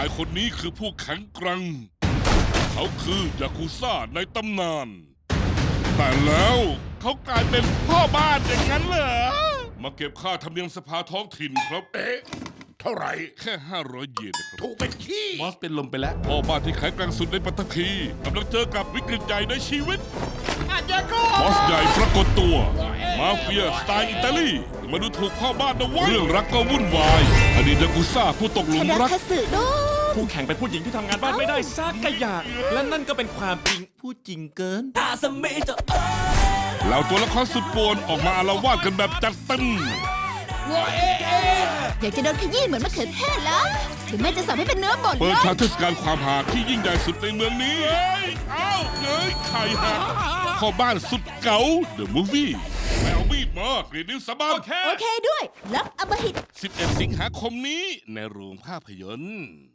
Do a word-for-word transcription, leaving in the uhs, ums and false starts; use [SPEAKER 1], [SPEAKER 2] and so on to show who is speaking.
[SPEAKER 1] ายคนนี้คือผู้แข็งแกร่งเขาคือยากุซ่าในตำนาน แต่แล้วเขากลายเป็นพ่อบ้านอย่างนั้นเหรอ มาเก็บค่าธรรมเนียมสภาท้องถิ่นครับ
[SPEAKER 2] เอ๊ะเท่าไหร่
[SPEAKER 1] แค่ห้าร้อยเยนนะครับ
[SPEAKER 2] ถูกเป็นขี้
[SPEAKER 3] บอสเป็นลมไปแล้ว
[SPEAKER 1] พ่อบ้านที่แข็งแกร่งสุดในปัตตภีกำลังเจอกับวิกฤตใหญ่ในชีวิต
[SPEAKER 2] อาจารย์ก็
[SPEAKER 1] บอสใหญ่ปรากฏตัว มาเฟียสไตล์อิตาลีมาดูถูกพ่อบ้านนะเวะเรื่องรักก็วุ่นวายอดีตยากุซ่าผู้ตกหลุ
[SPEAKER 4] ช
[SPEAKER 1] ม
[SPEAKER 4] นะ
[SPEAKER 1] รัก
[SPEAKER 4] คัตสึโด
[SPEAKER 3] ผู้แข่งเป็นผู้หญิงที่ทำงานบ้านไม่ได้ซักกะอยากและนั่นก็เป็นความจริงพูดจริงเกิน
[SPEAKER 1] เหล่าตัวละครสุดป่วนออกมาอาละวาดกันแบบจัดเต็ม
[SPEAKER 4] อยากจะโดนขยี้เหมือนมะเขือเทศแล้วถึงแม่จะสับให้เป็นเนื้อบด
[SPEAKER 1] เปิ
[SPEAKER 4] เล
[SPEAKER 1] ด
[SPEAKER 4] ย
[SPEAKER 1] ฉากเทศกาลความหาที่ยิ่งใหญ่สุดในเมืองนี้เอ้ยเอ้าเอ้ยไข่หักพ่อบ้านสุดเก๋า The Movie แมวมีดมากรีดนิ้วสะบัด
[SPEAKER 4] โอเคด้วย รับอำมหิต
[SPEAKER 1] สิบเอ็ดสิงหาคมนี้ในโรงภาพยนตร์